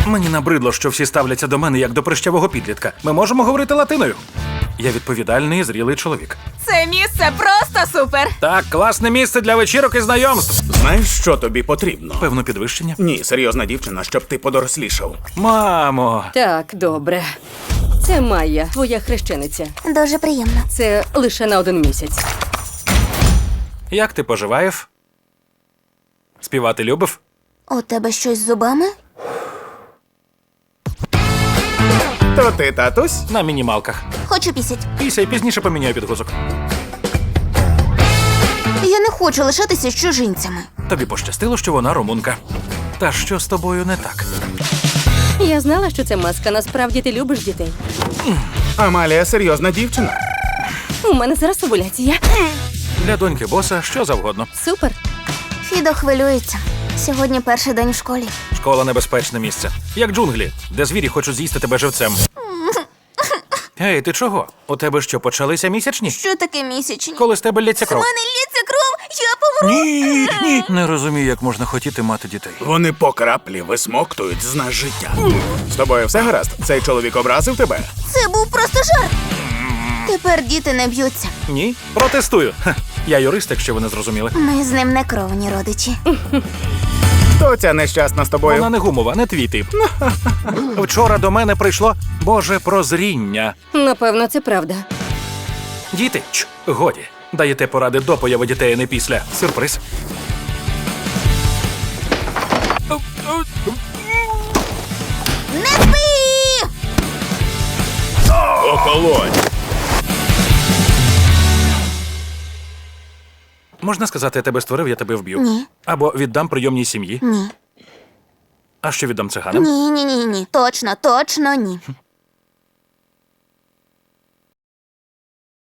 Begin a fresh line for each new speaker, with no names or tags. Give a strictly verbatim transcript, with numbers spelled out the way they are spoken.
Мені набридло, що всі ставляться до мене як до прищавого підлітка. Ми можемо говорити латиною. Я відповідальний і зрілий чоловік.
Це місце просто супер.
Так, класне місце для вечірок і знайомств.
Знаєш, що тобі потрібно?
Певно, підвищення.
Ні, серйозна дівчина, щоб ти подорослішав.
Мамо,
Так, добре. Це Майя, твоя хрещениця.
Дуже приємно.
Це лише на один місяць.
як ти поживаєш? Співати любив?
У тебе щось з зубами?
То ти, татусь?
На мінімалках.
Хочу пісять.
Після і пізніше поміняю підгузок.
Я не хочу лишатися з чужинцями.
Тобі пощастило, що вона румунка. Та що з тобою не так?
Я знала, що це маска. Насправді ти любиш дітей.
Амалія серйозна дівчина.
У мене зараз овуляція.
Для доньки боса що завгодно.
Супер.
Фідо хвилюється. Сьогодні перший день в школі.
Школа — небезпечне місце. Як джунглі, де звірі хочуть з'їсти тебе живцем. Ей, ти чого? У тебе що, почалися місячні?
Що таке місячні?
Коли з тебе лється
У
кров?
мене лється кров, я помру.
Ні, ні.
Не розумію, як можна хотіти мати дітей.
Вони по краплі висмоктують з нас життя. З тобою все гаразд? Цей чоловік образив тебе?
Це був просто жарт. Тепер діти не б'ються.
Ні? Протестую. Ха, я юрист, якщо ви не зрозуміли.
Ми з ним не кровні родичі.
Хто ця нещасна з тобою?
Вона не гумова, не твій тип. Вчора до мене прийшло Боже прозріння.
Напевно, це правда.
Діти, ч, годі. Даєте поради до появи дітей, а не після. Сюрприз.
Не спи!
Охолонь!
Можна сказати, я тебе створив, я тебе вб'ю.
Ні.
Або віддам прийомній сім'ї.
Ні.
А що віддам циганам?
Ні, ні, ні, ні. Точно, точно ні.